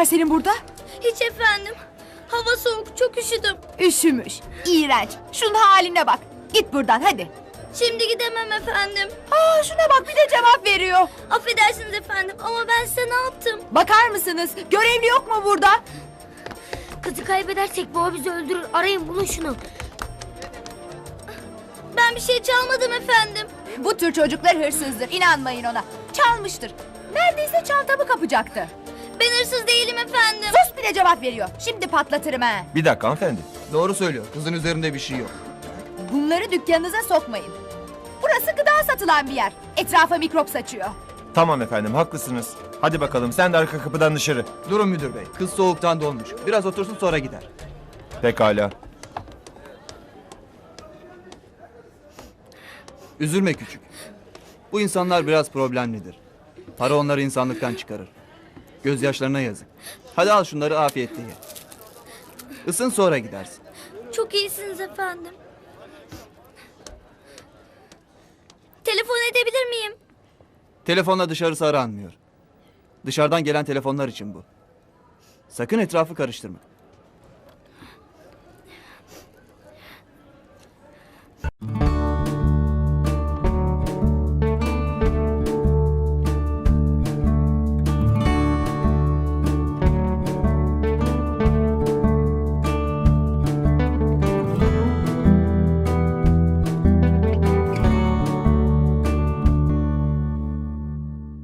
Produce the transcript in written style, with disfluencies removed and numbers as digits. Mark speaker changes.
Speaker 1: var senin burada?
Speaker 2: Hiç efendim. Hava soğuk, çok üşüdüm.
Speaker 1: Üşümüş. İğrenç. Şunun haline bak. Git buradan hadi.
Speaker 2: Şimdi gidemem efendim.
Speaker 1: Aa, şuna bak, bir de cevap veriyor.
Speaker 2: Affedersiniz efendim ama ben size ne yaptım?
Speaker 1: Bakar mısınız? Görevli yok mu burada?
Speaker 2: Kızı kaybedersek baba bizi öldürür. Arayın, bulun şunu. Ben bir şey çalmadım efendim.
Speaker 1: Bu tür çocuklar hırsızdır. İnanmayın ona. Çalmıştır. Neredeyse çantamı kapacaktı.
Speaker 2: Ben hırsız değilim efendim.
Speaker 1: Sus, bir de cevap veriyor. Şimdi patlatırım ha.
Speaker 3: Bir dakika hanımefendi.
Speaker 4: Doğru söylüyor. Kızın üzerinde bir şey yok.
Speaker 1: Bunları dükkanınıza sokmayın. Burası gıda satılan bir yer. Etrafa mikrop saçıyor.
Speaker 3: Tamam efendim haklısınız. Hadi bakalım sen de arka kapıdan dışarı.
Speaker 4: Durun müdür bey. Kız soğuktan donmuş. Biraz otursun sonra gider.
Speaker 3: Pekala.
Speaker 4: Üzülme küçük. Bu insanlar biraz problemlidir. Para onları insanlıktan çıkarır. Gözyaşlarına yazık. Hadi al şunları afiyetle ye. Isın sonra gidersin.
Speaker 2: Çok iyisiniz efendim. Telefon edebilir miyim?
Speaker 4: Telefonla dışarısı aranmıyor. Dışarıdan gelen telefonlar için bu. Sakın etrafı karıştırma.